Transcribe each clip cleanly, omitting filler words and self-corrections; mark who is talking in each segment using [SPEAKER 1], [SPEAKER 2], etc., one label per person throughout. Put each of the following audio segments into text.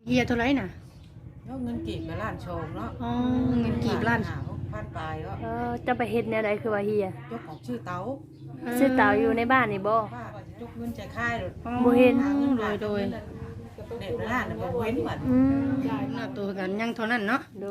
[SPEAKER 1] เฮียเท่าไรน่ะ
[SPEAKER 2] แล้วเงินกีบมาล้านชงเนาะ
[SPEAKER 1] อ๋อเงินกีบล้าน
[SPEAKER 2] พันปลายก็
[SPEAKER 3] จะไปเฮ็ดแนวใดคือว่าเฮีย
[SPEAKER 2] ยกของชื่อเต๋า
[SPEAKER 3] ซื้อเต่าอยู่ในบ้านนี่บ่
[SPEAKER 2] ป้ายกเงินใจค่ายเลย
[SPEAKER 3] บ่เห็น
[SPEAKER 1] โดย
[SPEAKER 2] เด็กล้านน่ะบ่เห็นเหมือน
[SPEAKER 1] น่าตัวกันยังเท่านั้นเนาะ
[SPEAKER 3] โด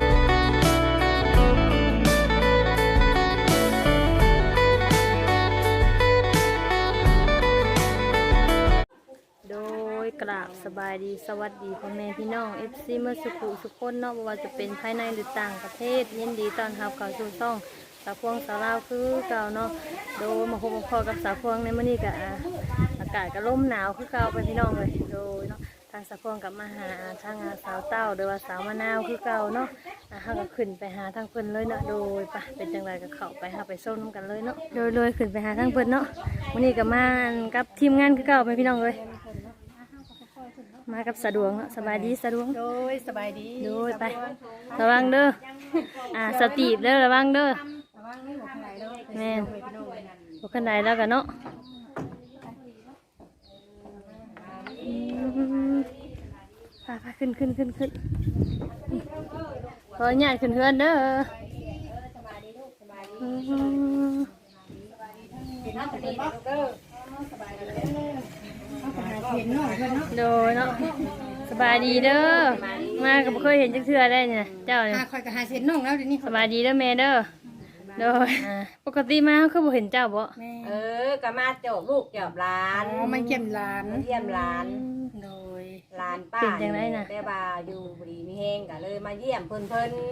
[SPEAKER 3] ยกราบสบายดีสวัสดีพ่อแม่พี่น้อง FC เมื่อสุขุสุขคนเนาะบ่ว่าจะเป็นภายในหรือต่างประเทศยินดีต้อนรับเข้าสู่ช่องสาวพวงสาวลาวคือเก่าเนาะโดยมาพบพอกับสาวพวงในมื้อนี้ก็อากาศก็ลมหนาวคือเก่าไปพี่น้องเลยโดยเนาะทางสาวพวงกับมาหาทางสาวเต้าโดยว่าสาวมะนาวคือเก่าเนาะเฮาก็ขึ้นไปหาทางเพิ่นเลยเนาะโดยปะเป็นจังไดก็เข้าไปหาไปส้มกันเลยเนาะโดยขึ้นไปหาทางเพิ่นเนาะมื้อนี้ก็มากับทีมงานคือเก่าไปพี่น้องเลยมากับสะดวงสบายดีสะดวง
[SPEAKER 1] โดยสบายดี
[SPEAKER 3] โดยไประวังเด้อสตีบเด้อระวังเด้อแม่บุคคลใดแล้วกันเนาะไปขึ้นขออนุญาตขึ้นเฮือนเด้อโดยเนาะสบายดีเด้อมาก็บ่เคยเห็นจักเทื่อได้เนี่ยเจ้าเนี่ย
[SPEAKER 1] คอยกับหาเส้นน้องแล้วเดี๋ยวนี้
[SPEAKER 3] สบายดีเด้อแม่เด้อโดยปกติมาคือบ่เห็นเจ้าบ่
[SPEAKER 2] ก็มาจบลูกจบหลาน
[SPEAKER 1] มาเยี่ยมหลาน
[SPEAKER 2] เยี่ยมหลาน
[SPEAKER 1] โดย
[SPEAKER 2] หลานป้า
[SPEAKER 3] เป็นจังได๋น่ะ
[SPEAKER 2] ได้บ่าอยู่ดีมีแฮงก็เลยมาเยี่ยมเพิ่น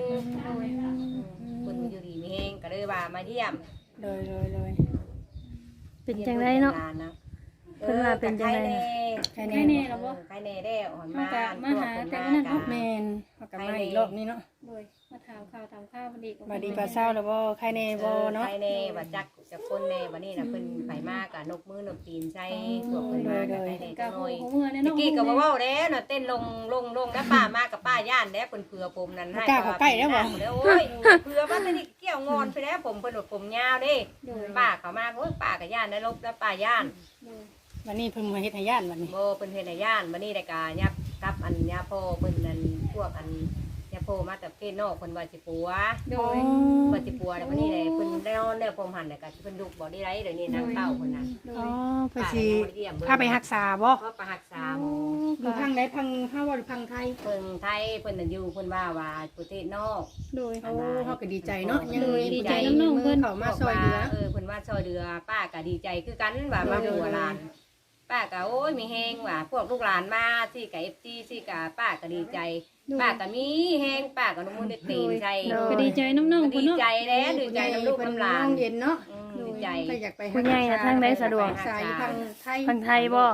[SPEAKER 2] อยู่ดีมีแฮงก็เลยว่ามาเยี่ยม
[SPEAKER 1] โดย
[SPEAKER 3] เป็นจังได๋เนาะเพิ่นว่าเป็นจังได๋
[SPEAKER 1] ใครแน่แล้วบ่
[SPEAKER 2] ใครแน่ได้อ่อนมา
[SPEAKER 1] หาแต่นั้นเนาะแม่นเฮาก็มาอีกรอบนี้เนาะ
[SPEAKER 3] โดยมาถามข่าวพอดี
[SPEAKER 1] บัดดีปลาเช้าแล้วบ่ใครแน่บ่เนาะ
[SPEAKER 2] ใครแน่ว่าจักจะคนแน่บัดนี้น่ะเพิ่นไปมากะนกมือนกตีนใส่พวกเพิ่นมาก็ได้จังหน่อยตะกี้ก็บ่เว้าแล้วน่ะเต้นลงแล้วป้ามากับป้าย่านแล้วเพิ่นเผื่อผมนั่นให้
[SPEAKER 1] ใกล้แล้วบ่
[SPEAKER 2] โอ้ยเผื่อว่าตะนี้เกี่ยวงอนไปแล้วผมเพิ่นว่าผมยาวเด้ป้าเข้ามาโอ้ยป้าก็ย่านได้ลบแล้วป้าย่าน
[SPEAKER 1] วันนี้เพิ่นมาเฮ็ดให้ย่านวันนี้
[SPEAKER 2] บ่เพิ่นเฮ็ดให้ย่านวันนี้ได้กะยับกับอันยาพ่อเพิ่นนั่นพวกอันยาพ่อมาแต่ประเทศนอกเพิ่นว่าสิปัว
[SPEAKER 3] โดย
[SPEAKER 2] ว่าสิปัวแล้ววันนี้ได้เพิ่นได้นอนได้ผมหันแล้วก็เพิ่นดุบ่ได้ไรเดี๋ยวนี้นางเต้าเพิ่นน่ะ
[SPEAKER 1] อ๋อเพิ่นสิพาไปรักษาบ่
[SPEAKER 2] ก็ไปรักษาหมอ
[SPEAKER 1] อยู่พังใดพังเฮาว่าพังไทย
[SPEAKER 2] เพิ่นไทยเพิ่นน่ะอยู่เพิ่นว่าประเทศนอก
[SPEAKER 3] โดย
[SPEAKER 1] เฮาก็ดีใจเนาะ
[SPEAKER 3] ยังดีใจน้องๆเพิ่น
[SPEAKER 1] เข้ามาซอยเหลือ
[SPEAKER 2] เพิ่นว่าซอยเหลือป้าก็ดีใจคือกันว่ามาหัวหลานป้าก็โอ้ยมีแฮงว่าพวกลูกหลานมาสิกับ FG สิกับป้าก็ดีใจป้าก็มีแฮงป้าก็น้ำมันตีนใจ
[SPEAKER 3] ก็ดีใจน้องๆ
[SPEAKER 2] ดีใจแล้วดีใจน้ำลูกน้ำหลาน
[SPEAKER 1] เย็นเนาะ
[SPEAKER 2] ดีใจ
[SPEAKER 1] อยากไป
[SPEAKER 3] คุณยายนะทางใดสะดวกทางไทยบ่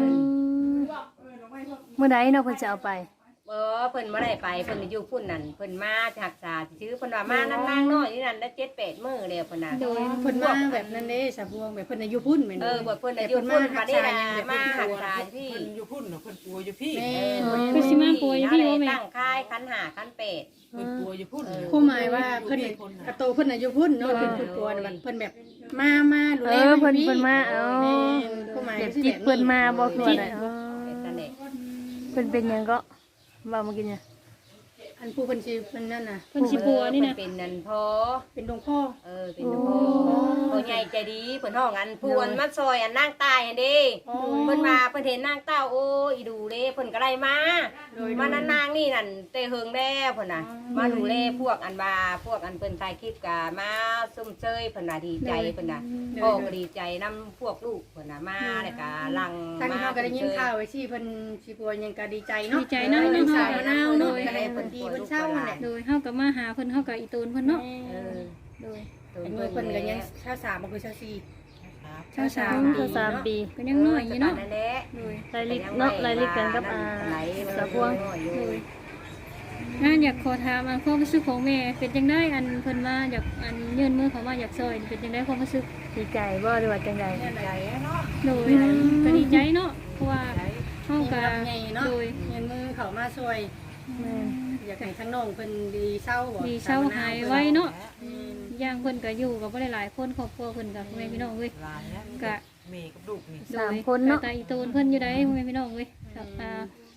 [SPEAKER 3] เมื่อใดเนาะเพิ่นจะเอาไป
[SPEAKER 2] เพิ่นบ่ได้ไปเพิ่นอยู่พุ่นนั่นเพิ่นมารักษาชื่อเพิ่นว่ามานั่งน้อยนี่นั่นได้7-8มื้อแล้วเพิ่นน่ะ
[SPEAKER 1] โดยเพิ่นมาแบบนั้นเด้สะพวงแบบเพิ่นอยู่พุ่นแม่น
[SPEAKER 2] บ่เพิ่นอยู่พุ่นมาได้มารักษาพี่
[SPEAKER 4] เพิ่นอยู่พุ่นเนาะเพิ่นป่วยอยู่พี่
[SPEAKER 3] คือสิมาป่วยอยู่พี่บ่แม่
[SPEAKER 2] ตั้งค่ายคัน5คัน8
[SPEAKER 4] เพิ่นป่วยอยู่พุ่น
[SPEAKER 1] ผู้หมายว่าเพิ่นกระโตเพิ่นอยู่พุ่นเนาะเพิ่นป่วยเพิ่นแบบมาดูแล
[SPEAKER 3] เพิ่นมา
[SPEAKER 1] ผู้หมาย
[SPEAKER 3] จิตเพิ่นมาบ่คืออะไรเพิ่นเป็นหยังก็ว่ามากินเนี่ย
[SPEAKER 1] อันผู้เพิ่นสิเพิ่นนั่นน่ะ
[SPEAKER 3] เพิ่นสิปัวนี่นะ
[SPEAKER 2] เป็นนั่นพ่อ
[SPEAKER 1] เป็นหลวงพ่อ
[SPEAKER 2] เป็นหลวงพ่อพ่อใหญ่ใจดีเพิ่นห้องอันพวนมาซอยอันนางตายอันเด้เพิ่นมาเพิ่นเห็นนางเต้าโอ้อีดูเด้เพิ่นก็ได้มานั้นนางนี่นั่นเตะเฮิงแล้วเพิ่นน่ะมาดูแลพวกอันว่าพวกอันเพิ่นถ่ายคลิปก็มาซุ่มเชยเพิ่นน่ะดีใจเพิ่นน่ะพ่อก็ดีใจนำพวกลูกเพิ่นน่ะมาแล้วก็ลัง
[SPEAKER 1] มาเฮาก็ได้ยินข่าวไว้สิเพิ่นสิป่วยยังก็ดีใจเนาะ
[SPEAKER 3] ดีใจเนาะ
[SPEAKER 1] สาวมะนาวเนาะก็ให้เพิ่นดีเพิ่นเศร้าแหละ
[SPEAKER 3] โดยเฮาก็มาหาเพิ่นเฮาก็อีตูนเพิ่นเนาะโดย
[SPEAKER 1] อายุเพิ่นก็ยังชา3บ่คือชา4ชา
[SPEAKER 3] 3ปีก็ยังน้อยอยู่เนาะโดยรายลิกเนาะรายลิกกันกับสะพวงโดยน่าอยากขอถามความรู้สึกของแม่เป็นจังได๋อันเพิ่นว่าอยากอันยื่นมือเข้ามาอยากซอยเป็นจังได๋ความรู้สึกดีใจบ่หรือว่าจังได๋
[SPEAKER 2] ดีใจเนาะ
[SPEAKER 3] โดยก็ดีใจเนาะเพราะว่าเฮาก็
[SPEAKER 1] โดยยื่นมือเข้ามาซอยอยากให้ทั้งน้องเพิ่นดีเศร้าบ่
[SPEAKER 3] ดีเศร้าหายไว้เนาะย่างเพิ่นก็อยู่กับบ่ได้หลายคนครอบครัวเพิ่นก็พ่อแม่พี่น้องเว้ยก็
[SPEAKER 4] แม่กับลูกนี่
[SPEAKER 3] 3คนเนาะตาอีตูนเพิ่นอยู่ได้พ่อแม่พี่น้องเว้ย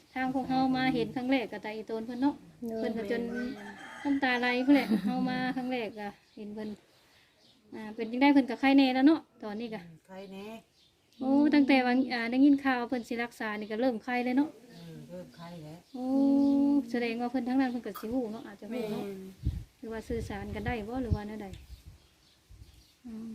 [SPEAKER 5] ทางพวกเฮามาเห็นครั้งแรกก็ตาอีโตนเพิ่นเนาะเพิ่นก็จนน้ำตาไหลเพิ่นแหละเฮามาครั้งแรกก็เห็นเพิ่นเป็นจังได้เพิ่นก็ไข้แน่แล้วเนาะตอนนี้ก็
[SPEAKER 4] ใครแน่
[SPEAKER 5] โอ้ตั้งแต่ว่าได้ยินข่าวเพิ่นสิรักษานี่ก็เริ่มไข้เลยเนาะ
[SPEAKER 4] เริ่มใครแล้ว
[SPEAKER 5] โอ้แสดงว่าเพิ่นทั้งนั้นเพิ่นก็สิฮู้เนาะอาจจะ
[SPEAKER 1] แม่
[SPEAKER 5] ฮู้เนาะหรือว่าสื่อสารกันได้บ่หรือว่าแนวใดอืม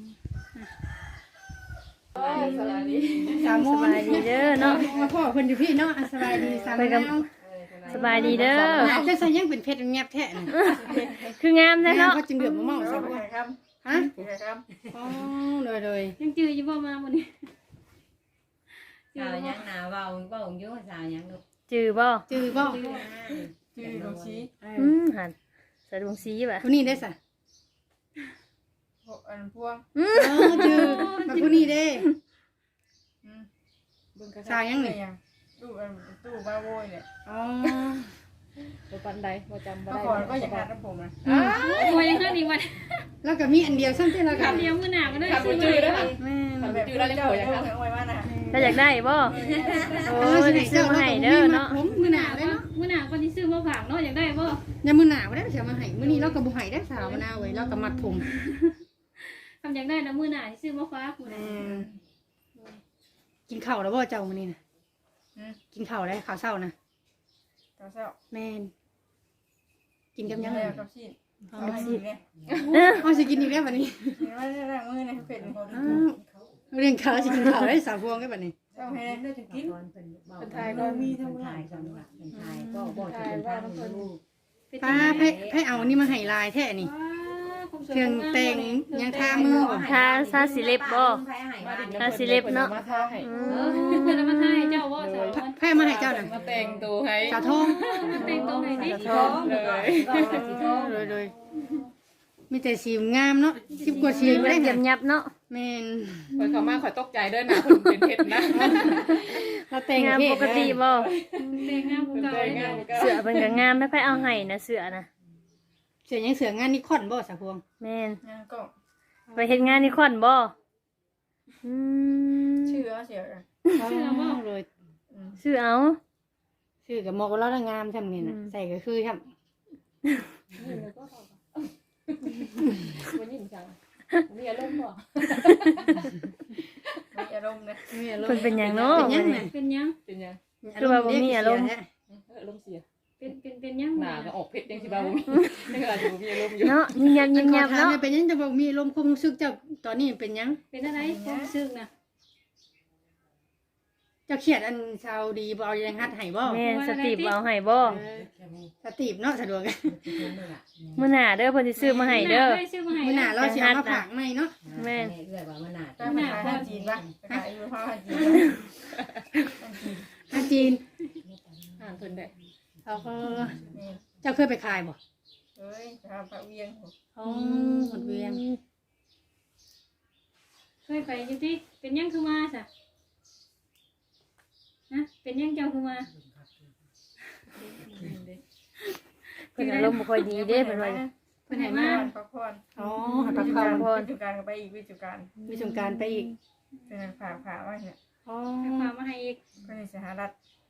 [SPEAKER 1] สามโม
[SPEAKER 3] ส
[SPEAKER 1] ง
[SPEAKER 3] บายดีเด้อเนาะ
[SPEAKER 1] มาพ่อเพิ่นอยู่พี่เนาะสบายดีสาม
[SPEAKER 3] ไปกับ
[SPEAKER 1] โมง
[SPEAKER 3] สบายดีเด้อ
[SPEAKER 1] จะใส่ยังเป็นเพชรแงบแท้น่ะ
[SPEAKER 3] คืองามแท้เนาะ
[SPEAKER 1] เขาจึงเดือดมาเมาซะบ่ฮะอ๋อเลย
[SPEAKER 5] ยังจื้ออยู่บ่มามื้อนี้
[SPEAKER 2] สาวยังหนาเบาอยู่สาวยังลูก
[SPEAKER 3] จือบ่
[SPEAKER 1] จือบ่
[SPEAKER 2] ชื่อลูกชี้
[SPEAKER 3] หันสะดวงสีบ่ะ
[SPEAKER 1] ผู้นี้ได้ซะ
[SPEAKER 2] อันพวง
[SPEAKER 1] จือมาผู้นี้เด้
[SPEAKER 4] เบิ่งกระ
[SPEAKER 1] สาวยังนี่
[SPEAKER 6] ตู้ตู้บ้าโวยเนี่ย
[SPEAKER 1] อ๋อ
[SPEAKER 4] บ่ปันใดบ่จำบ่
[SPEAKER 6] เมื่อ
[SPEAKER 4] ได้
[SPEAKER 6] ก่อนก็อย่างนั้นนะผมนะ
[SPEAKER 5] โอ้ยยังหั่นอีกวัน
[SPEAKER 1] แล้วก็มีอันเดียวซ้ำที่เรากัน
[SPEAKER 5] เดียวมื้อหน้าก็ได้
[SPEAKER 4] คัน
[SPEAKER 5] ซื้
[SPEAKER 4] บ่
[SPEAKER 5] อ
[SPEAKER 4] จื้อ
[SPEAKER 5] ไว้
[SPEAKER 4] แล้วค่ะ
[SPEAKER 1] แม่
[SPEAKER 4] คันบ่จื้อแล้วยัง
[SPEAKER 6] เจ้า
[SPEAKER 4] เผย
[SPEAKER 6] เจ้า
[SPEAKER 4] ค่ะ
[SPEAKER 6] เอาไว้ว่านะ
[SPEAKER 3] ถ้าอยากได้บ่โอ้ยซื้อมาให้เด้อเนาะ
[SPEAKER 1] ผมมื้อหน้าเลยเนาะ
[SPEAKER 5] มื้อหน้าก็สิซื้อมาฝากเนาะอยากได้บ่
[SPEAKER 1] อย่ามื้อหน้าบ่ได้เสียมาให้มื้อนี้เราก็บ่ให้ได้สาวมะนาวเว้ยเราก็มัดผม
[SPEAKER 5] ทำอยากได้นะมื้อหน้าสิซื้อมาฝากมื้อ
[SPEAKER 1] แม่
[SPEAKER 5] นี้
[SPEAKER 1] กินข้าวแล้วบ่เจ้ามื้อนี้น่ะกินข้าวแล้วข้าวเช้านะ
[SPEAKER 6] เจ้าเจ้า
[SPEAKER 1] แม่นกินกับยัง
[SPEAKER 6] แล้
[SPEAKER 1] ไง
[SPEAKER 6] วกับชีน
[SPEAKER 1] อ๋อ
[SPEAKER 6] เอาชีนเนี่ย
[SPEAKER 1] อ๋อสิกินอีกแล้วบัดนี้
[SPEAKER 6] เห็นว่าได้ร่างมือเนี่ยเป็น
[SPEAKER 1] อ้าวเรื่องข้าวสิกินข้าวได้สาวพวงได้บัดนี้
[SPEAKER 6] เจ้าแห้งได้จะกิน
[SPEAKER 2] เป็นไทยก็มีทั้งหลายจังหวัดเป็นไทยก็บ่จะเป็นทางลูก
[SPEAKER 1] ป้าให้เอาอันนี้มาให้ลายแท้นี่เครื่องแต่งยังทามือบ่
[SPEAKER 3] ทาซาสิเล็บบ่ ทาสิเล็บเนาะ
[SPEAKER 4] มาทาให้
[SPEAKER 5] เพิ่นเอามาทายเจ้าว่าสาว
[SPEAKER 1] แพ้มาให้เจ้าน่ะ
[SPEAKER 4] มาแต่งตัวให้
[SPEAKER 1] สาวทอง
[SPEAKER 5] แต่งตัวให้ดิ
[SPEAKER 2] ท้องเลย
[SPEAKER 1] เลยมีแต่สีงามเนาะ10กว่าสี
[SPEAKER 3] สี
[SPEAKER 1] บ่
[SPEAKER 3] มัน
[SPEAKER 1] ได้
[SPEAKER 3] เยี่ยมยับเนาะ
[SPEAKER 1] แม่น
[SPEAKER 4] ข่อยเข้ามาข่อยตกใจเด้อนะเพิ่นเป็นเพชรนะ
[SPEAKER 1] เราแต่ง
[SPEAKER 3] งาม
[SPEAKER 1] เพศ
[SPEAKER 3] ปกติบ่
[SPEAKER 5] แต่งงามกว่าเก่า
[SPEAKER 4] แต่ง
[SPEAKER 5] เลย
[SPEAKER 4] งามก็
[SPEAKER 3] เสือเพิ่นก็งามไม่ค่อยเอาให้นะเสือนะ
[SPEAKER 1] เสือยังเสืองานนิคอนบ่สาวพวง
[SPEAKER 3] แม่น
[SPEAKER 6] เนี่ยก็
[SPEAKER 3] ไปเฮ็ดงานนี่ค่อนบ่อืม
[SPEAKER 6] ชื่อเสีย
[SPEAKER 1] เลย
[SPEAKER 3] ซื้อเอา
[SPEAKER 1] ชื่อกับหมอกเราได้งามทำนี่น่ะใส่ก็คือทำ
[SPEAKER 4] บ่ยิ้มจังมีอารมณ์บ่
[SPEAKER 6] มีอารมณ์นะ
[SPEAKER 3] เพิ่นเป็นหยังเนาะ
[SPEAKER 1] เป็นยังไง
[SPEAKER 5] เป็นยัง
[SPEAKER 4] เป็นยัง
[SPEAKER 3] คือว่าบ่มีอารมณ์
[SPEAKER 4] อารมณ์เสีย
[SPEAKER 5] เป็นยัง
[SPEAKER 4] หน้าก็ออกเพชรยังสิบ่าบ่มียังอาจจะบ่มีอารมณ์อยู่
[SPEAKER 3] เนาะยิ้มยับ
[SPEAKER 1] ยิ้
[SPEAKER 3] ยิ้ม
[SPEAKER 1] ม
[SPEAKER 3] ยั
[SPEAKER 1] ยั
[SPEAKER 3] บบ เนาะ
[SPEAKER 1] เนาะเป็นยังจะบอกมีลมความรู้สึกเจ้าตอนนี้เป็นยัง
[SPEAKER 5] เป็นอะไรความรู้สึกนะ
[SPEAKER 1] เจ้าเขียดอันชาวดีบ่เอายังฮัดให้บ่
[SPEAKER 3] แม่นสติบเอาให้บ่
[SPEAKER 1] สติบเนาะสะดวก
[SPEAKER 3] มื้อหน้าเด้อเพิ่นสิซื้อมาให้เด้อ
[SPEAKER 5] ซื้อมาให้
[SPEAKER 1] มื้อหน้าเราสิเอามาฝากใหม่เนาะ
[SPEAKER 3] แม่น
[SPEAKER 2] เอื้อยว่ามันหนา
[SPEAKER 6] เจ้าไปขายห้าจีนปะไปขายอยู่ห้าจีน
[SPEAKER 1] อาจีน
[SPEAKER 4] อ่านเพิ่นได้
[SPEAKER 1] เขาก็
[SPEAKER 6] นี่
[SPEAKER 1] เจ้าเคยไปขายบ่
[SPEAKER 6] เฮ้ยทำพระเวียง
[SPEAKER 1] อ๋อหมดเวียง
[SPEAKER 5] เคยไปอยู่ที่เป็นยังคือมาซะนะเป็นยังเจ้าคือมา
[SPEAKER 3] เพิ่นอารมณ์บ่ค่อยดีเด้เพิ่นว่า
[SPEAKER 5] เพิ่นให้
[SPEAKER 6] มา
[SPEAKER 5] มา
[SPEAKER 6] พักผ่อน
[SPEAKER 1] อ๋อ
[SPEAKER 6] วิ
[SPEAKER 1] พัก
[SPEAKER 6] จุ
[SPEAKER 1] ผ่
[SPEAKER 6] กา
[SPEAKER 1] อ
[SPEAKER 6] ร
[SPEAKER 1] น
[SPEAKER 6] วิจุการก็ไปอีกวิจุการ
[SPEAKER 1] มีสงกรารไปอีก
[SPEAKER 6] เป็นผ่าไว้เนี่ย
[SPEAKER 1] อ๋อ
[SPEAKER 5] ฝากมาให้อีก
[SPEAKER 6] ก็ในสหรัฐ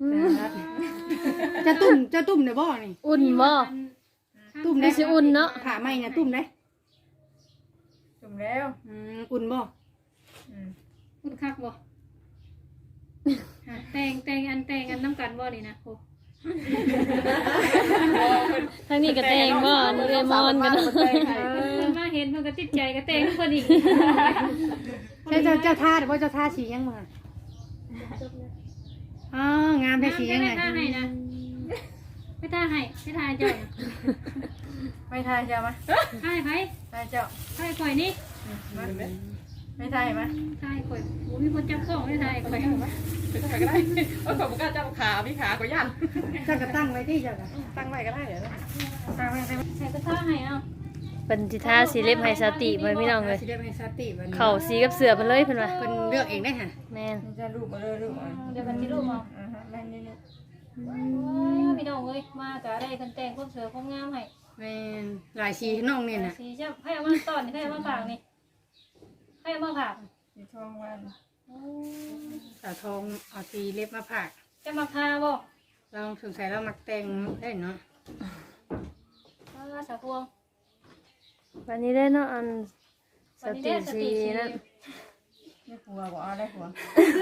[SPEAKER 1] จะตุ่มได้บ่นี่
[SPEAKER 3] อุ่นบ่
[SPEAKER 1] ตุ่ม
[SPEAKER 3] ได้
[SPEAKER 1] ได้
[SPEAKER 3] สิอุ่นเนาะ
[SPEAKER 1] ผ่าไหมเนี่ยตุ่มได้
[SPEAKER 6] จุ่มแล้ว
[SPEAKER 1] อุ่นบ่
[SPEAKER 5] คุณคักบ่แต่งอันน้ำกันบ่นี่นะโอ้
[SPEAKER 3] ทางนี้ก็แต่งบ่นี่เลยมอนกันเนาะ
[SPEAKER 5] เพิ่นมาเห็นเพิ่นก็ติดใจก็แต่งเพิ่นอีก
[SPEAKER 1] ใช่เจ้าท่าหรือว่าเจ้าท่าสียังมาอ๋องามแท้สียังไง
[SPEAKER 5] ไม่ท่าให้นะไม่ท่าให้ไม่ท่าเจ้านะ
[SPEAKER 6] ไม่ทายเจ้ามา
[SPEAKER 5] ท่าให้ไผ
[SPEAKER 6] ทายเจ้า
[SPEAKER 5] ท่าให้ข่อยนี่
[SPEAKER 6] ไม่ทายมา
[SPEAKER 5] ท่าให้ข่อยโอ้มีคนจับกล้องไม่ท่าให้ข่อย
[SPEAKER 4] ไปทำไมก็ได้เออขอบคุณเจ้าขาพี่ขาก็ย่าน
[SPEAKER 1] เจ้าก็ตั้งไว้ที่เจ้าก็
[SPEAKER 4] ตั้งไว้ก็ได้เดี๋ยวนะ
[SPEAKER 6] ทายไม่ได้
[SPEAKER 5] ให้ก็ท่าให้เอา
[SPEAKER 3] เพิ่นสิทาสิเล็บให้สติไว้พี่น้องเอ้ย
[SPEAKER 1] สิได้เป็นสติวันนี้
[SPEAKER 3] เข้าสีกับเสือเพิ่นเลยเพิ่นว่า
[SPEAKER 1] เพิ่นเลือกเองได้ค่ะ
[SPEAKER 3] แม่น
[SPEAKER 6] จะรูปมาเลยรูปมา
[SPEAKER 5] เดี๋ยวกันสิลูกเอา
[SPEAKER 6] แม่นี่นี่
[SPEAKER 5] พี่น้องเอ้ยมาก็ได้กันแต่งความสวยความงามให้
[SPEAKER 1] แม่นหลายสีน้องนี่น่ะ
[SPEAKER 5] สีจะให้เอามาตอนนี่ให้เอามาฝากนี่ให้เอามาฝาก
[SPEAKER 6] สีทองวัน
[SPEAKER 1] สาวทองเอาสีเล็บมาผาก
[SPEAKER 5] จะมาทาบ่
[SPEAKER 1] เราสงสัยเรามักแต่งได้เนาะ
[SPEAKER 5] สะพวง
[SPEAKER 3] วันนี้ได้เนาะอันสติสีนั่น
[SPEAKER 6] ได้ผัวบ่เอาได้ผัว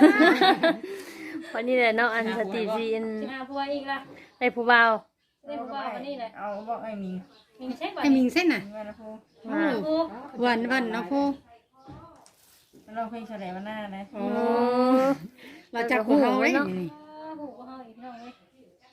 [SPEAKER 3] วันนี้ได้เนาะอันสติสีอัน
[SPEAKER 5] สิหาผัวอีกล่ะ
[SPEAKER 3] ได้ผู้บ่าว
[SPEAKER 5] ได้ผัววันนี้แหละ
[SPEAKER 6] เอาบอกไอ้มิง
[SPEAKER 5] มีเช็คบ่
[SPEAKER 1] ให้มิงเส้นน่ะ
[SPEAKER 6] เงินละพู
[SPEAKER 1] โอ้วันเนาะพ่อ
[SPEAKER 6] เราเพลงแฉลมันหน้านะ
[SPEAKER 1] โอ้เราจับหัวเฮาไว้นี่
[SPEAKER 5] ผูกก็เฮาอีกน้องเว้ย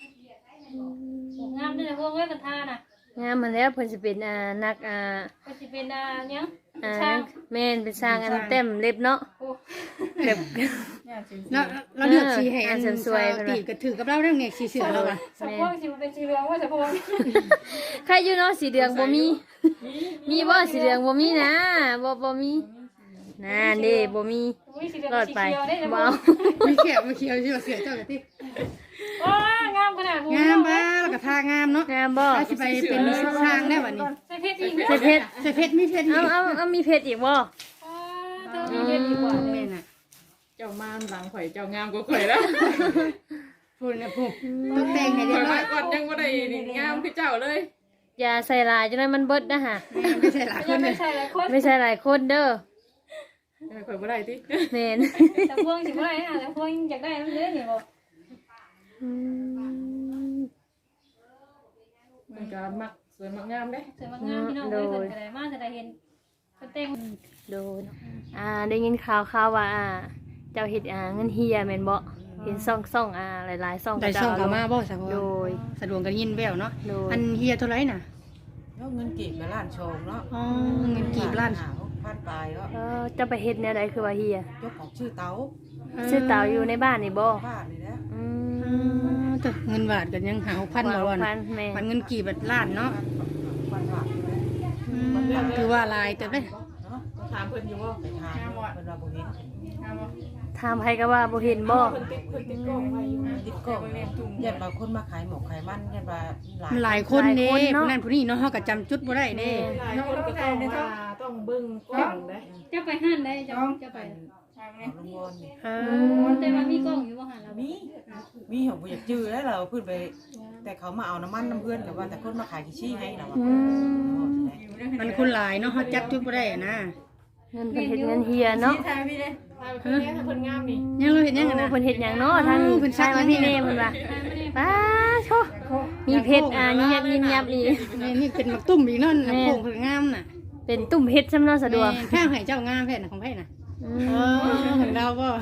[SPEAKER 5] งามด้วยนะพวกเว้ยกันทาน่ะ
[SPEAKER 3] งามมันแล้วเพิ่นสิเป็นนัก
[SPEAKER 5] ก็สิเป็นหยัง
[SPEAKER 3] แม่นเป็นสร้างอันเต็มเล็บเนาะ
[SPEAKER 5] โอ้
[SPEAKER 3] เล็บ
[SPEAKER 6] เนี่ยจริง
[SPEAKER 1] เราเลือกสีให้อัน
[SPEAKER 3] สวยๆ
[SPEAKER 1] ตีก็ถือกับเราเรื่องเนี่ยสีเสือเราอ่ะ
[SPEAKER 5] สะพวงสิมันเป็นสีเหลืองว่าสะพวง
[SPEAKER 3] ใครอยู่เนาะสีเหลืองบ่มี มีบ่สีเหลืองบ่มีนะบ่มีนั่นเด้บ่มี
[SPEAKER 5] อุ้ยสีเหลือง
[SPEAKER 3] รอด
[SPEAKER 5] สี
[SPEAKER 3] ไป
[SPEAKER 5] เขียวได้สะพ
[SPEAKER 3] บ่
[SPEAKER 5] ว
[SPEAKER 3] เอา
[SPEAKER 5] ง
[SPEAKER 1] มีเขียวมีเขียวที่ว่าเสือเจ้ากับที่
[SPEAKER 5] ว้างามขนาดหู
[SPEAKER 1] งามบ้าแล้วก็ทางามเนาะ
[SPEAKER 3] งามบ่
[SPEAKER 1] เราสิไปเป็นสร้างได้วันนี้
[SPEAKER 5] ใส่เพชรอีก
[SPEAKER 3] ใส่เพชร
[SPEAKER 1] ใส่เพชรมีเพชรอีก
[SPEAKER 3] เอามีเพชรอีกบ่
[SPEAKER 5] เธอมีเพชรอีกกว่า
[SPEAKER 1] แม่น่ะ
[SPEAKER 4] เจ้าม่านหลังข่อยเจ้างามกว่าข่อยแล้ว
[SPEAKER 1] พูดนะพูดต้องแต่งให้เรี
[SPEAKER 4] ข่
[SPEAKER 1] ย
[SPEAKER 4] อย
[SPEAKER 1] บร้อ
[SPEAKER 4] มาย ก่อนยังบ่ได้งามคือเจ้าเลย
[SPEAKER 3] อย่าใส่ลายจังได๋มันเบิดนะฮะ
[SPEAKER 1] ไม่ใช่หลายค
[SPEAKER 5] ยั
[SPEAKER 1] น
[SPEAKER 5] ง
[SPEAKER 1] เล
[SPEAKER 5] ไม่
[SPEAKER 1] ย
[SPEAKER 5] ใช่หลายคน
[SPEAKER 3] ไม่ใช่หลายคนเด้อ
[SPEAKER 4] ข่อยบ่ได้ติ
[SPEAKER 3] แม่น
[SPEAKER 5] สะพวงสิบ่ได้นะสะพวงอยากได้มันเลยนี่บ่
[SPEAKER 4] มันก็มักสวยมักงามเด้
[SPEAKER 5] สวยมากงามพี่น้องเอ้ยเพิ่นก็ได้มาจะได้เห็นเพิ่นแต่ง
[SPEAKER 3] โดนได้ยินข่าวว่าเจ้าเฮ็ดเงินเฮียแม่นบ่เห็นซ่องหลายๆซ่อง
[SPEAKER 1] ได้ส่งกลับมาบ่สัก
[SPEAKER 3] โดย
[SPEAKER 1] สะดวกกันยินแววเนาะ
[SPEAKER 3] โดย
[SPEAKER 1] อันเฮียเท่าไรน่ะ
[SPEAKER 7] แล้วเงินกีบมาล้านโชงเนาะ
[SPEAKER 1] อ๋อเงินกีบล้าน
[SPEAKER 7] พันปลายก็
[SPEAKER 3] จะไปเฮ็ดแนวใดคือว่าเฮีย
[SPEAKER 7] ยกของชื่อเต๋า
[SPEAKER 3] ซื้อเต่าอยู่ในบ้านนี่บ่
[SPEAKER 7] บ้านนี่แหละ
[SPEAKER 3] อืม
[SPEAKER 1] แต่เงินบาทกันยังหาพันบ่วัน
[SPEAKER 3] พันแม่
[SPEAKER 1] มันเงินกีบแบบล้านเนาะ
[SPEAKER 7] พันบาทนี่แหละ
[SPEAKER 1] คือว่าลายเติบได้
[SPEAKER 7] เนาะ
[SPEAKER 4] ถามเพิ่นอยู่ว่า
[SPEAKER 7] ไปทานเพิ่นว่าบ่เห็น
[SPEAKER 3] ถามใครก็ว่าบ่เห็นบ่
[SPEAKER 4] เพิ่นติดกล้องไว้อยู่
[SPEAKER 7] ติดกล้องยันบางคนมาขายหมกขายมันยันว่าหลาย
[SPEAKER 1] มันหลายคนเด้ผู้นั้นผู้นี้เนาะเฮาก็จำจุดบ่ได้เด้
[SPEAKER 4] หลายคนก็ต้องเบิ่งกล้องเด้
[SPEAKER 5] จะไปห้านได้จะไป
[SPEAKER 7] เอาลุงวอนนี่
[SPEAKER 5] แต่ว่ามีกล้องอยู่บ่หันแล้ว
[SPEAKER 7] มีของบ่อยากจื้อแล้วเราเพิ่นไป แต่เขามาเอาน้ำมันน้ำเพื่อนกับว่าแต่คนมาขายกี่ชี้ให้เราอะ
[SPEAKER 1] มันคนหลายเนาะเฮาจับจุดบ่ได้นะ
[SPEAKER 3] เงินเพิ่นเฮ็ดเงินเฮียเนาะ
[SPEAKER 6] ทายพี่เลย
[SPEAKER 4] ถ้าเพิ่นถ้าเพิ่นงามนี่
[SPEAKER 1] ยังเราเห็นยังกันนะ
[SPEAKER 3] เพิ่นเฮ็ดหยังเนาะทางนี้
[SPEAKER 1] เพิ่นซัก
[SPEAKER 3] มา
[SPEAKER 1] ยัง
[SPEAKER 3] พี่เน่เพิ่นว่าป้าโชมีเพชรยิบยับอี
[SPEAKER 1] นี่เป็นมักตุ้มอีกเนาะโค้งเพิ่นงามน่ะ
[SPEAKER 3] เป็นตุ่มเพชรซำเนาะสะดวก
[SPEAKER 1] แค่ให้เจ้างามแท้น่ะของไผน่ะ
[SPEAKER 3] อืม
[SPEAKER 1] ของเราบ่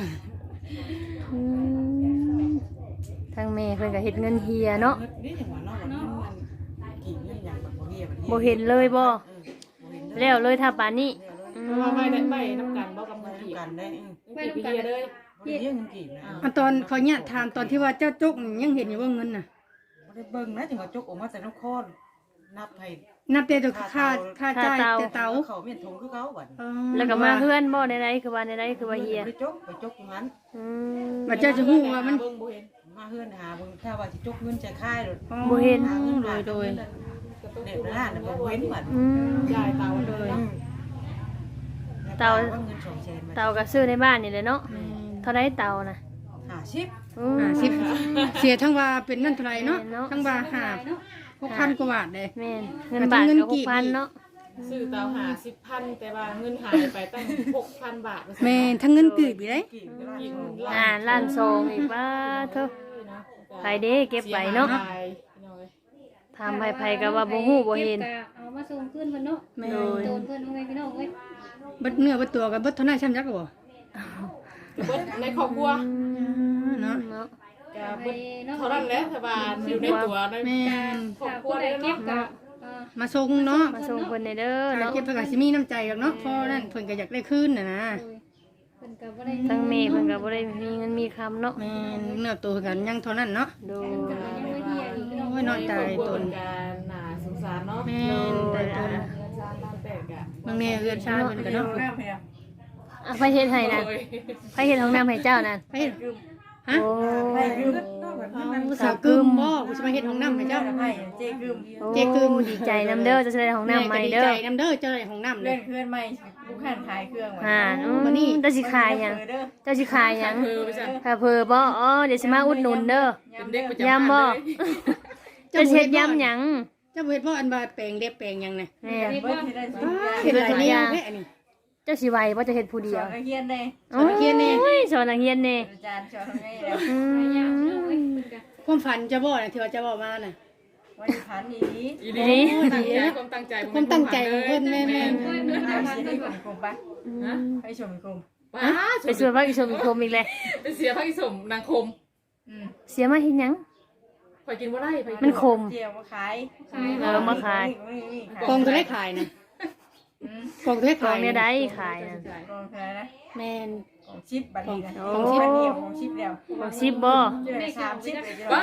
[SPEAKER 3] ทางแม่เพิ่นก็เฮ็ดเงินเฮียเนาะ
[SPEAKER 7] นี่อย่างว่าเนาะมันกี่นี่อย่างแบบบ่เรียบ
[SPEAKER 3] บ่เห็นเลยบ่แล้วเลยถ้าปานนี้
[SPEAKER 4] เพราะว่าไม่ได้ไม่น้ำกันบ่กับมือกี่
[SPEAKER 7] กันได้
[SPEAKER 4] ไม่น้ำกันเลย
[SPEAKER 7] บ่ได้เรื่องกี่นะ
[SPEAKER 1] อันตอนขออนุญาตถามตอนที่ว่าเจ้าจุกนี่ยังเห็นอยู่ว่าเงินน่ะ
[SPEAKER 7] บ่ได้เบิ่งนะจังว่าจกออกมาแต่น้ำค้อนนับให้
[SPEAKER 1] นับแต่ตัวค่าจ่ายแต่เตา
[SPEAKER 7] เขาเมียนทงคือเขาบัด
[SPEAKER 3] แล้วก็มาเฮือนบ่ใดๆคือว่าใดๆคือว่าเฮีย
[SPEAKER 7] ไปจกอยู่นั้น
[SPEAKER 3] อืม
[SPEAKER 1] ว่าเจ้าจะฮู้ว่ามัน
[SPEAKER 4] เบิ่งบ่เห็น
[SPEAKER 7] มาเฮือนหาเบิ่งถ้าว่าสิจกเงินจะค่าย
[SPEAKER 3] บ่เห็น
[SPEAKER 1] โดย
[SPEAKER 7] เด็กร้านน่ะบ่เว้นบัด
[SPEAKER 3] อืม
[SPEAKER 4] ยายเตาเลย
[SPEAKER 3] เตาก็ซื้อในบ้านนี่แหละเนาะเท่าไดเตาน่ะ
[SPEAKER 7] 50
[SPEAKER 3] อืม
[SPEAKER 1] 10เสียทั้งว่าเป็นนั่นเท่าไหร่เนาะทั้งว่า6,000กว่าบาทเด้
[SPEAKER 3] แม่นเงินบาทก็6,000เนาะ
[SPEAKER 4] ซื้อเตาหา10,000แต่ว่าเงินหายไปตั้ง 6,000 บาท
[SPEAKER 1] แม่ทั้งเงินกีบอีกเด้
[SPEAKER 3] ล้านซองอีกว่าเถอะไปเด้เก็บไว้เนาะทำไผๆก็ว่าบ่ฮู้บ่เห็น
[SPEAKER 5] เอามาส่งขึ้นเพิ่นเนาะ
[SPEAKER 1] แม่
[SPEAKER 5] โดนเพิ่นเอาไว้พี่น้องเอ้ย
[SPEAKER 1] บัดเนื้อบัดตัวกับบัดเท่านั้นช้ำยักบ่
[SPEAKER 4] เบิดในครอบครัว
[SPEAKER 1] เนาะ
[SPEAKER 3] เนาะ
[SPEAKER 4] ก็เบิดเท่านั้นแหละถ้าว่าอยู่ในตัวใน
[SPEAKER 1] แม่น
[SPEAKER 4] ครอบ
[SPEAKER 5] ถ้า
[SPEAKER 4] ครัว
[SPEAKER 5] ผู้ใด
[SPEAKER 4] ได้
[SPEAKER 5] เก็บ
[SPEAKER 4] เนาะ
[SPEAKER 5] ก็
[SPEAKER 1] มาส่งเนาะ
[SPEAKER 3] มาส่งเพิ่นในเด้อเนาะ
[SPEAKER 1] เก็บไปก็สิมีน้ำใจดอกเนาะเพราะนั่นเพิ่นก็อยากได้คืนน่ะนะ
[SPEAKER 5] เพิ่นก็บ่ได้
[SPEAKER 3] ทั้งแม่เพิ่นก็บ่ได้มีเงินมีคำเนาะ
[SPEAKER 1] แม่นเนื้อตัวกันยังเท่านั้นเนาะ
[SPEAKER 3] โด
[SPEAKER 5] ยังไม่เฮียอีกพี่น้อง
[SPEAKER 1] โอ้ยนอนตายตน
[SPEAKER 4] การหนาสงสารเนาะ
[SPEAKER 1] แม่นตายตน
[SPEAKER 4] เงินชาล้านแตกอ่ะ
[SPEAKER 1] บางแม่เอื้อนชาเพิ่นก็เนาะ
[SPEAKER 6] หน้าเพีย
[SPEAKER 3] ไปเฮ็ดให้นั่นไปเฮ็ดห้องน้ำให้เจ้านั่น
[SPEAKER 1] ไปเฮ็ดฮะ
[SPEAKER 3] โอ้
[SPEAKER 6] ไปกึม
[SPEAKER 1] สาวกึมบ่กูสิมาเฮ็ดห้องน้ำให้เจ้า
[SPEAKER 6] ไปเจกึม
[SPEAKER 3] เจกึมดีใจนำเด้อจะได้ห้องน้ำใหม่เด้อ
[SPEAKER 1] ดีใจนำเด้อเจ้าได้ห้องน้ำเล
[SPEAKER 6] เลื่อย นเพื่อนใหม่บุกหันขายเครื่อง
[SPEAKER 3] มานี่เจ้าสิขายหยังเจ้าสิขายหยัง
[SPEAKER 4] เพิ่นไปจ้ะ
[SPEAKER 3] ค่ะเพอบ่อ๋อเดี๋ยวสิมาอุดหนุนเด้อ
[SPEAKER 4] เป็นเด็กประจำ
[SPEAKER 3] ยำบ่
[SPEAKER 4] บ้านเลย
[SPEAKER 3] เจะเฮ็ดยำหยัง
[SPEAKER 1] เจ้าเฮ็ดบ่อันว่าแปลงเล็บแปลงหยังน่ะ
[SPEAKER 3] แม่
[SPEAKER 6] เบิดที่ได้สิ
[SPEAKER 1] เฮ็ดหลายแนวแท้อันนี้
[SPEAKER 3] เจ้าสิไหวบ่จะเฮ็ดผู้
[SPEAKER 6] ส
[SPEAKER 3] เดีย
[SPEAKER 6] อ
[SPEAKER 3] วน
[SPEAKER 6] นักเรียนได้
[SPEAKER 3] โอ้ยสอนนักเรียนแน่
[SPEAKER 6] อาจารย์สอนทำไงแล้ว
[SPEAKER 3] อื
[SPEAKER 5] ยาว
[SPEAKER 3] ม
[SPEAKER 5] เนาะเอ้ยเพิ่นก็
[SPEAKER 1] ความฝันจะบ่น่ะที่ว่าจะบ่มาน่ะ
[SPEAKER 6] วันนี้พันอีนี้
[SPEAKER 4] อีดีความตั้งใจ
[SPEAKER 1] ความตั้งใจของเพิ่นแม่
[SPEAKER 5] โอ้ยมัน
[SPEAKER 6] เอา
[SPEAKER 5] ทำ
[SPEAKER 6] เสีย
[SPEAKER 5] ได้
[SPEAKER 6] ให้
[SPEAKER 5] บ่
[SPEAKER 6] ผมกลมปะให้ชมกลม
[SPEAKER 4] ป้า
[SPEAKER 3] ไปสวนพระอิศวรคมอีกเลย
[SPEAKER 4] เป็นเสียพระอิศวรนางคม
[SPEAKER 3] เสียมาเฮ็ดหยัง
[SPEAKER 4] ข่อยกินบ่ได้ไป
[SPEAKER 3] มันขม
[SPEAKER 6] เจียวมาขาย
[SPEAKER 5] ขาย
[SPEAKER 3] เออมาขาย
[SPEAKER 1] ๆกองเท่าได้ขายน่ะกองเท่าได้
[SPEAKER 3] กล่อ
[SPEAKER 1] ขาง ย
[SPEAKER 3] เนี่ยได้ขายนะ
[SPEAKER 6] กองขายนะ
[SPEAKER 1] แม่น
[SPEAKER 6] กองชิปบัตรนี้นะ
[SPEAKER 3] โอ้
[SPEAKER 6] กองชิปเดียวกองชิปเดียว
[SPEAKER 3] บอกสิบบ่
[SPEAKER 6] เจอ3ชิปเลย
[SPEAKER 4] ป้า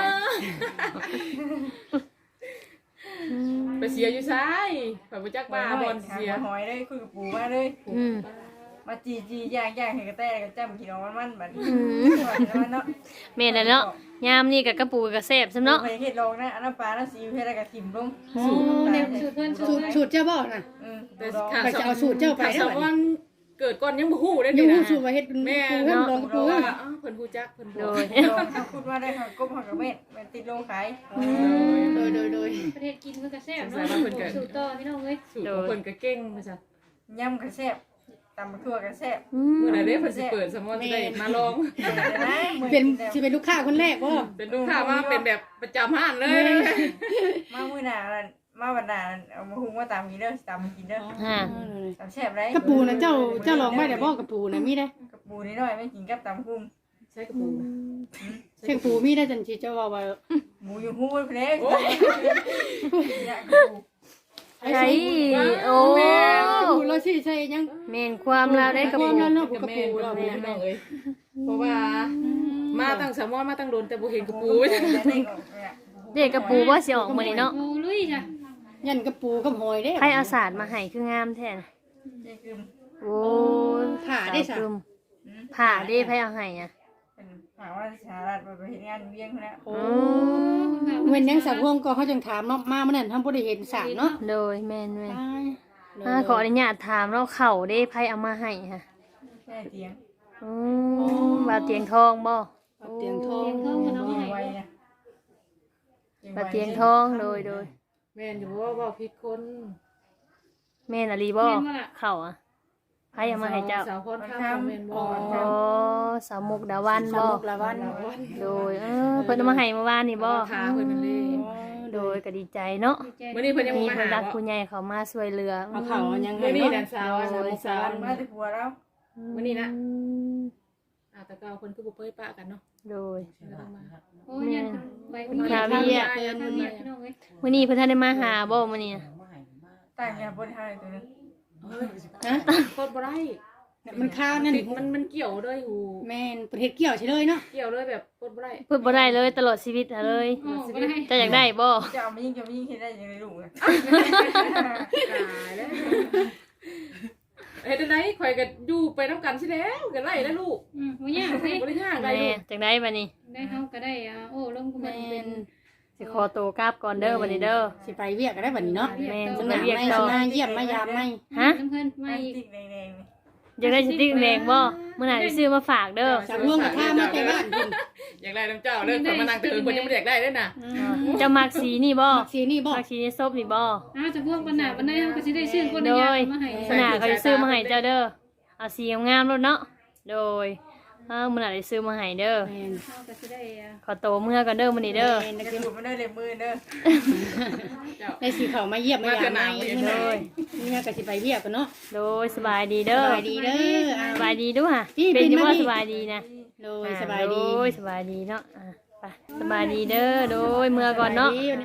[SPEAKER 4] ไปเสียอยู่ซ้ายข่อยบ่จัก
[SPEAKER 6] มา
[SPEAKER 4] บ้า
[SPEAKER 6] บบ อ
[SPEAKER 4] อ
[SPEAKER 6] ล
[SPEAKER 4] ล
[SPEAKER 6] เสี
[SPEAKER 4] เสี
[SPEAKER 6] ย
[SPEAKER 4] ย
[SPEAKER 6] หอยเลยคุยกับปู่มาเลย
[SPEAKER 3] อืม
[SPEAKER 6] มาจีย่างให้กระแตกระจ้ำกินเอามันบัดนี้
[SPEAKER 3] อืม
[SPEAKER 6] เนาะ
[SPEAKER 3] แม่นแล้วเนาะยามนี่กับกระปูกับแซ่บซำเนาะ
[SPEAKER 6] ไปเฮ็ดลองนะอันน้ำปลาน้ำซีอิ๊วเฮ็ดแล้วก็ทิ่มลง
[SPEAKER 1] สูตร
[SPEAKER 5] สูตรเพิ่น
[SPEAKER 1] สูตรเจ้าบ่น่ะ
[SPEAKER 4] แต่
[SPEAKER 1] ไปจะเอาสูตรเจ้าไปได้
[SPEAKER 4] ส
[SPEAKER 1] บัด
[SPEAKER 4] วร
[SPEAKER 1] นี้
[SPEAKER 4] รค์เกิดก่อนยังบ่ฮู้ได้
[SPEAKER 1] ยั
[SPEAKER 4] นี่
[SPEAKER 1] ง
[SPEAKER 4] นะ
[SPEAKER 1] ฮู้สูตรว่าเฮ็ดปูเฮ็ดลองปู
[SPEAKER 4] เพราะ
[SPEAKER 1] เฮ็
[SPEAKER 4] ว่า
[SPEAKER 1] ด
[SPEAKER 4] เพิ่นฮู้จักเพิ่น
[SPEAKER 3] โด
[SPEAKER 4] บอก
[SPEAKER 3] ย
[SPEAKER 6] ลองถ้าพูดว่าได้ค่ะก้มหักกับเม็ดมันติดลงขาย
[SPEAKER 1] โดย
[SPEAKER 5] ประเทศกินมันก็แซ่บ
[SPEAKER 4] สงสั
[SPEAKER 5] เนาะ
[SPEAKER 4] ยว่าเพิ่นก็
[SPEAKER 5] สูตรต่อพี่น้องเอ้ย
[SPEAKER 4] สูตรของเพิ่นก็เก่งว่าซั่น
[SPEAKER 6] ย่ำกระแซ่บตำทั่วกระแซ่บ
[SPEAKER 3] อืม
[SPEAKER 4] มื้อใดเด้เพิ่นสิเปิดสมมุติจะได้มาลอง
[SPEAKER 1] เป็นสิเป็นลูกค้าคนแรกบ่
[SPEAKER 4] เป็นลูกค้ามาเป็นแบบประจำห้านเลย
[SPEAKER 6] มามื้อหน้ามาวันหน้าเอามาหุงมาตำกินเด้อตำกินเด้อ
[SPEAKER 3] ฮะ
[SPEAKER 6] ตำแซ่บไร
[SPEAKER 1] กระปูน่ะเจ้าลองไว้ได้บ่กระปูน่ะมีได้
[SPEAKER 6] กับปูนิดหน่อยไม่กินกับตำกุ้ง
[SPEAKER 4] ใช้กระปุกนะ
[SPEAKER 1] เชียงปูมีได้จังสิเจ้าว่า
[SPEAKER 6] หมูอยู่หู้เพลสอยากปู
[SPEAKER 3] ใช่โอ้
[SPEAKER 1] กระปูเราสิใช่ยัง
[SPEAKER 3] แม่นความลาวได้กระปู
[SPEAKER 1] ความลาว
[SPEAKER 4] กับแม่กับแม่น้องเอ้ยเพราะว่ามาตั้งสามวันมาตั้งโดนแต่บ่เห็นกระปู
[SPEAKER 3] เด็กกระปูบ่สิออกมื้อนี้เนาะ
[SPEAKER 5] โอ้ลุยจ้ะ
[SPEAKER 1] ยันกระปูกับหอยเด้
[SPEAKER 3] ใครเอาศาสตร์มาให้คืองามแท้น่ะโอ้ย
[SPEAKER 1] ผ่าได้ซะ
[SPEAKER 3] สาวกลุ่มผ่าได้ไผเอาให้อ่ะ
[SPEAKER 6] เป็นถามว่าสารัฐไปเห็นงานเวียงแล้ว
[SPEAKER 1] โอ้เว้นยังสัตว์พวงก็เขาจังถามเนาะมามื้อนั้นทำบ่ได้เห็นสารเนาะ
[SPEAKER 3] โดยแม่นขออนุญาตถามเราเข่าได้ไผเอามาให้ค่ะ
[SPEAKER 6] แค่เตียง
[SPEAKER 3] อืมบาเตียงทองบ่
[SPEAKER 1] เตียงทอง
[SPEAKER 5] เพิ่นมันเอาให้
[SPEAKER 6] ไวนะ
[SPEAKER 3] บาเตียงทองโดย
[SPEAKER 4] แม่นอยู่ว่าเว้าผิดคน
[SPEAKER 3] แม่นอะลีบ่เข่าอ่ะไผเอามาให้เจ้า
[SPEAKER 4] สาวพรข้ามแม่นบ่
[SPEAKER 3] อ๋อสาวมุกดาวัน
[SPEAKER 1] สา
[SPEAKER 3] บ่
[SPEAKER 1] มุกละวัน
[SPEAKER 3] โดยเพิ่นเอามาให้เมื่อวานนี่บ่
[SPEAKER 4] ทาเพิ่นนั่นเลย
[SPEAKER 3] โดยก็ดีใจเนาะ
[SPEAKER 4] มื้อนี้เพิ่นยัง
[SPEAKER 3] มี
[SPEAKER 4] บ่มา
[SPEAKER 3] ผู้
[SPEAKER 4] หา
[SPEAKER 3] รัก
[SPEAKER 4] บ่
[SPEAKER 3] ผู้ใหญ่เขามาช่วยเหลือ
[SPEAKER 1] เอาเขายัง
[SPEAKER 4] มื้อนี้
[SPEAKER 1] เนาะ
[SPEAKER 4] แดนสาวสาวสาว
[SPEAKER 6] มาที่ผัวแล้ว
[SPEAKER 4] มื้อนี้นะแต่ก็เพิ่นคือบ่เป้ยปะกันเนาะ
[SPEAKER 3] โดย
[SPEAKER 5] โอ้ยยันไปคน
[SPEAKER 3] คาเวีย
[SPEAKER 5] เกินคนนี้พี่น้องเอ้ย
[SPEAKER 3] มื้อนี้เพิ่นทันได้มาหาบ่มื้อนี้
[SPEAKER 6] ต่างกันบนไทยตัวนึง
[SPEAKER 1] ฮะ
[SPEAKER 4] โคตรบ่ได้
[SPEAKER 1] มันข้าวนั่น
[SPEAKER 4] ติดมันเกี่ยวด้วยหู
[SPEAKER 1] แม่นประเทศเกี่ยวใช่เลยเนาะ
[SPEAKER 4] เกี่ยวเลยแบบโคตรบ่ได้
[SPEAKER 3] เพิ่นบ่ได้เลยตลอดชีวิตเลย
[SPEAKER 5] โอ้บ่ได้
[SPEAKER 3] เจะอยากได้บ่
[SPEAKER 6] จะเอามายิงเห็นได้ยังไงลูก
[SPEAKER 4] ตายแล้วเฮ็ดจังได๋ข่อยก็อยู่ไปนำกันสิแล้วก็ไล่แล้วลูก
[SPEAKER 5] บ่ยากเด้
[SPEAKER 4] บ่ได้ยากได้
[SPEAKER 3] แม่
[SPEAKER 4] ลูก
[SPEAKER 3] จังได้บัดนี้
[SPEAKER 5] ได้เฮาก็ได้โอ้ลงก็มันเป็น
[SPEAKER 3] สิขอตัวกลับก่อนเด้อบัดนี้เด้อ
[SPEAKER 1] สิไปเวียกก็ได้บัดนี้เนาะ
[SPEAKER 3] แม่น
[SPEAKER 1] ส
[SPEAKER 3] สิ
[SPEAKER 1] นา
[SPEAKER 3] ไป
[SPEAKER 1] ม
[SPEAKER 3] เวียก
[SPEAKER 1] ไม่
[SPEAKER 3] ต่อ
[SPEAKER 1] มาเยี่ยมมายามไม่
[SPEAKER 3] ฮะ
[SPEAKER 5] น้ำเพิ่น
[SPEAKER 6] ไม่
[SPEAKER 5] ไม่
[SPEAKER 6] ติ๊กแดง
[SPEAKER 3] อยากได้สติ๊กแดงบ่มื้อหน้าสิซื้อมาฝากเด้อ
[SPEAKER 1] จากพวงกับข้ามาแต่บ้านเพิ่น
[SPEAKER 4] อยากได้น้ำเจ้าเด้อข่อยมานั่งเถิงเพิ่นยังบ่อยากได้เด้อน่ะ
[SPEAKER 3] เจ้ามักสีนี่บ่
[SPEAKER 1] สีนี่บ่
[SPEAKER 3] มักสีนี่ซบนี่บ่
[SPEAKER 5] อ้าวจะพวกปัญหาปัญหาเฮาก็สิได้ซื้อคนละอย่างมาให้
[SPEAKER 3] มื้อหน้าเขาสิซื้อมาให้เจ้าเด้อเอาสีงามๆโลดเนาะโดยมื้อหน้าสิซื้อมาให้เด้อ
[SPEAKER 1] แม่น
[SPEAKER 5] เฮาก็สิได้
[SPEAKER 3] ขอตัวเมื่อก่อนเด้อมื้อนี้เด้อ
[SPEAKER 1] แม่น
[SPEAKER 6] ๆจะหลุดมาได้เลยมือเด้อ
[SPEAKER 1] ได้สีเขามาเยี่ยมมายามไม่มื้อนั้นนี่ก็สิไปเวียกกันเนาะ
[SPEAKER 3] โดยสบายดีเด้
[SPEAKER 1] ส
[SPEAKER 3] อ
[SPEAKER 1] บายดีเด้อ
[SPEAKER 3] สบายดีด้วยค่ะ
[SPEAKER 1] พี่
[SPEAKER 3] เป็นอยู่
[SPEAKER 1] ปิ่นมา
[SPEAKER 3] ว่า
[SPEAKER 1] พี่
[SPEAKER 3] สบายดีนะ
[SPEAKER 1] โดยสบายดี
[SPEAKER 3] โดยสบายดีเนาะไปสบายดีเด้อโดยเมื่อก่อนเนาะ